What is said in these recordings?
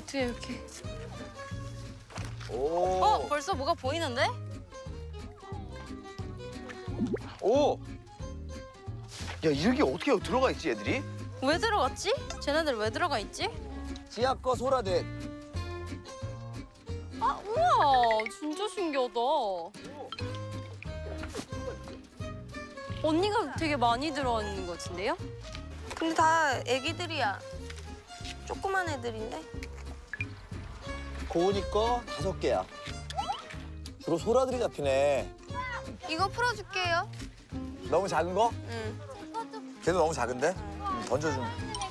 어떻게 이렇게? 오. 벌써 뭐가 보이는데? 오. 야, 이렇게 어떻게 들어가 있지, 애들이? 왜 들어갔지? 쟤네들 왜 들어가 있지? 지하 거 소라대. 아, 우와, 진짜 신기하다. 언니가 되게 많이 들어가 있는 것 같은데요? 근데 다 애기들이야. 조그만 애들인데? 고은이 거 5개야. 주로 소라들이 잡히네. 이거 풀어줄게요. 너무 작은 거? 응. 걔도 너무 작은데? 던져주면.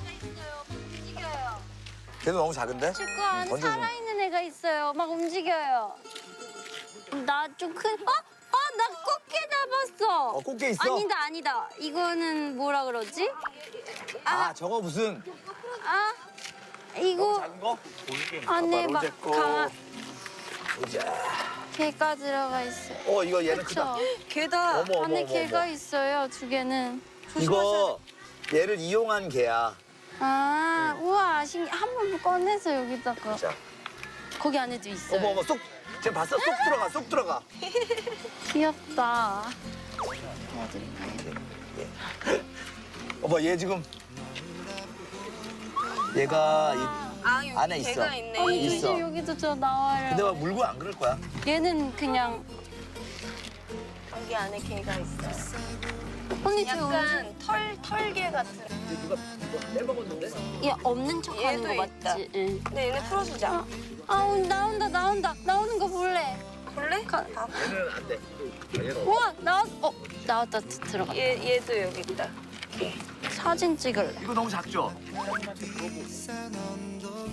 걔도 너무 작은데? 친구 안에 던져주면. 살아있는 애가 있어요. 막 움직여요. 나 좀 큰... 나 꽃게 잡았어. 꽃게 있어? 아니다. 이거는 뭐라 그러지? 아, 저거 무슨 아, 너무 이거 작은 거? 안에 막 로제 거. 가... 개가 들어가 있어요. 이거 얘는 그쵸? 크다. 걔다. 어머, 안에 어머, 개가 어머. 있어요, 2개는. 이거 얘를 이용한 개야. 아, 우와, 한번 꺼내서 여기다가. 자. 거기 안에도 있어요. 어머, 쏙. 쟤 봤어? 쏙 들어가. 귀엽다. 얘 지금. 얘가 아, 여기 안에 걔가 있어. 있네. 있어. 조심, 여기도 저 나와요. 근데 막 물고 안 그럴 거야. 얘는 그냥 여기 안에 걔가 있어. 언니 저 약간 털개 같은. 누가 빼먹었는데? 얘 없는 척하는 얘도 거 있다. 맞지? 응. 근데 얘네 풀어주자. 아우 나온다. 나오는 거 볼래? 볼래? 얘는 안 돼. 얘는 우와 나왔다 들어가. 얘도 여기 있다. 사진 찍을래. 이거 너무 작죠?